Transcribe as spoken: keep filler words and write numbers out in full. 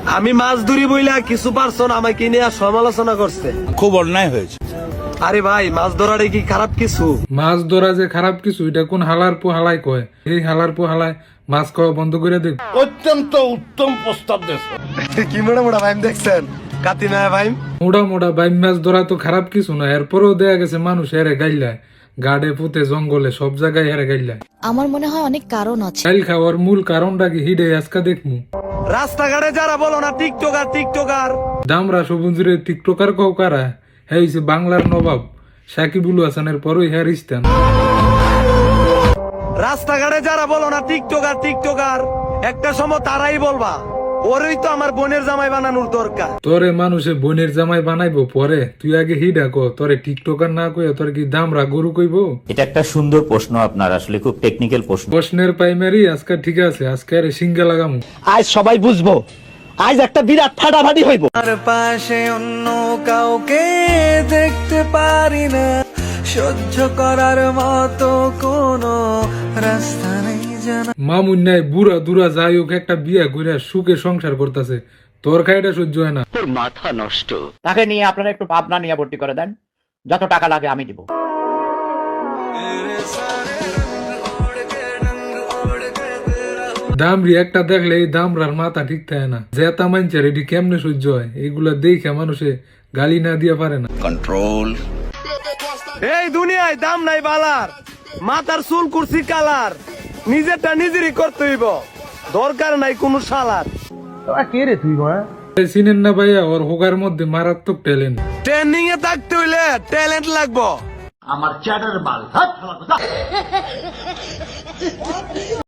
আমি মাছ ধরি বইলা কিছু পারছন আমাকে নিয়ে সমালোচনা করছে। খুব অন্যায় হয়েছে। আরে ভাই মাছ ধরাটা কি খারাপ কিছু? মাছ ধরা যে খারাপ কিছু এটা কোন হালার পো হালাই কয়? এই হালার পো হালায় মাছ খাওয়া বন্ধ করে দেব। অত্যন্ত উত্তম প্রস্তাব দেশ। কি মোটা মোটা ভাইম দেখছেন? কাতি না ভাইম? মোটা মোটা বাইম মাছ ধরা তো খারাপ কিছু না, এরপরেও দেয়া গেছে মানুষ হেরে গাইলায়, গাড়ে পুঁতে জঙ্গলে সব জায়গায় হেরে গাইলায়। আমার মনে হয় অনেক কারণ আছে। গাইল খাওয়ার মূল কারণটা কি হিডে আজকা দেখমু। রাস্তাঘাটে যারা বলো না টিকটকার টিকটকার দামরা সবুজরে টিকটকার কও কারা? হ্যাঁ হইছে বাংলার নবাব সাকিবুল হাসানের পরই হ্যার ইস্তান। রাস্তাঘাটে যারা বলো না টিকটকার টিকটকার একটা সময় তারাই বলবা ওরই তো আমার বোনের জামাই বানানোর দরকার। তোরে মানুষে বোনের জামাই বানাইবো পরে, তুই আগে হিডা কো তোরে টিকটকার না কইয়া তোর কি দামরা গরু কইবো? এটা একটা সুন্দর প্রশ্ন আপনার, আসলে খুব টেকনিক্যাল প্রশ্ন। প্রশ্নের প্রাইমারি আজকে ঠিক আছে, আজকে আরে সিঙ্গা লাগামু। আজ সবাই বুঝবো, আজ একটা বিরাট ফাটাফাটি হইব। আর পাশে অন্য কাউকে দেখতে পারি না, সহ্য করার মতো কোনো রাস্তা নেই জানা। মামুন নাই বুড়া দুরা যাই হোক একটা বিয়া কইরা সুখে সংসার করতেছে, তোর খাইটা সহ্য হয় না। তাকে নিয়ে আপনারা একটু ভাবনা নিয়ে ভর্তি করে দেন, যত টাকা লাগে আমি দিব। দামরি একটা দেখলে এই দামরার মাথা ঠিক থাকে না, জেতা মানছে এটি কেমনে সহ্য হয়? এইগুলা দেখে মানুষে গালি না দিয়া পারে না। কন্ট্রোল। এই দুনিয়ায় দাম নাই বালার, মাথার চুল কুরসি কালার, নিজেরটা নিজেরই করতে হইব, দরকার নাই কোনো শালার। চিনেন না ভাইয়া, ওর হোগার মধ্যে মারাত্মক ট্যালেন্ট। ট্রেনিং এ থাকতে হইলে ট্যালেন্ট লাগবো। আমার চ্যাটার বাল